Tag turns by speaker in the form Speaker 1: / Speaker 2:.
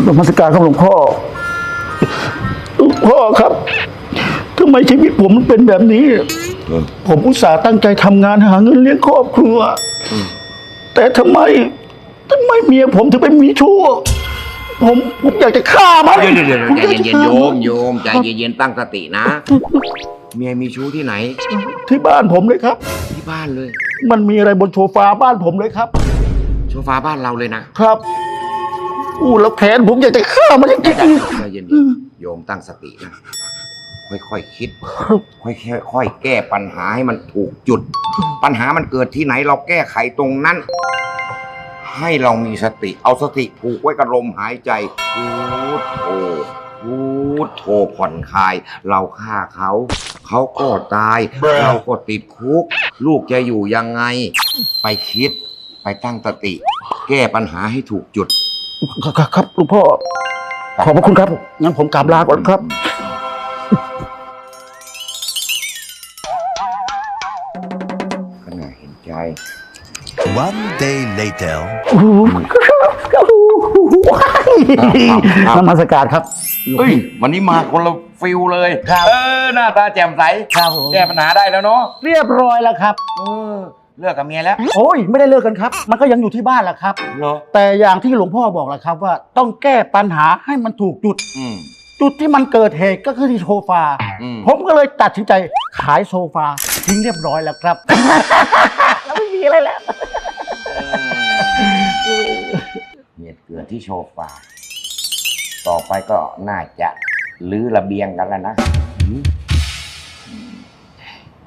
Speaker 1: นมัสการครับหลวงพ่อครับทำไมชีวิตผมมันเป็นแบบนี้ผมอุตส่าห์ตั้งใจทำงานหาเงินเลี้ยงครอบครัวแต่ทำไมเมียผมถึงเป็นมีชู้ผมอยากจะฆ่ามัน
Speaker 2: เดี๋ยวใจเย็นๆโยมใจเย็นๆตั้งสตินะเมียมีชู้ที่ไหน
Speaker 1: ที่บ้านผมเลยครับ
Speaker 2: ที่บ้านเลย
Speaker 1: มันมีอะไรบนโซฟาบ้านผมเลยครับ
Speaker 2: โซฟาบ้านเราเลยนะครับ
Speaker 1: แล้วแขนผมอยากจะฆ่ามันจริง
Speaker 2: ใจเย็นๆโยมตั้งสตินะค่อยๆคิดค่อยๆแก้ปัญหาให้มันถูกจุดปัญหามันเกิดที่ไหนเราแก้ไขตรงนั้นให้เรามีสติเอาสติผูกไว้กับลมหายใจพูดโธผ่อนคลายเราฆ่าเขาก็ตายเราก็ติดคุกลูกจะอยู่ยังไงไปคิดไปตั้งสติแก้ปัญหาให้ถูกจุด
Speaker 1: ครับหลวงพ่อขอบพระคุณครับงั้นผมกราบลาก่อนครับ
Speaker 2: ก็น่าเห็นใจ
Speaker 3: One day later
Speaker 1: นมัสการครับ
Speaker 2: เฮ้ยวันนี้มาคนละฟิลเลยหน้าตาแจ่มใส
Speaker 1: ครับ
Speaker 2: แก้ปัญหาได้แล้วเนาะ
Speaker 1: เรียบร้อยแล้วครับ
Speaker 2: เลิกกับเมียแล้ว
Speaker 1: โอ้ยไม่ได้เลิกกันครับมันก็ยังอยู่ที่บ้านแหละครับแต่อย่างที่หลวงพ่อบอกแหละครับว่าต้องแก้ปัญหาให้มันถูกจุดจุดที่มันเกิดเหตุก็คือที่โซฟาผมก็เลยตัดสินใจขายโซฟาทิ้งเรียบร้อยแล้วครับแล้วไม่มีอะไรแล้ว
Speaker 2: เหตุเกิดที่โซฟาต่อไปก็น่าจะรื้อระเบียงกันแล้วนะ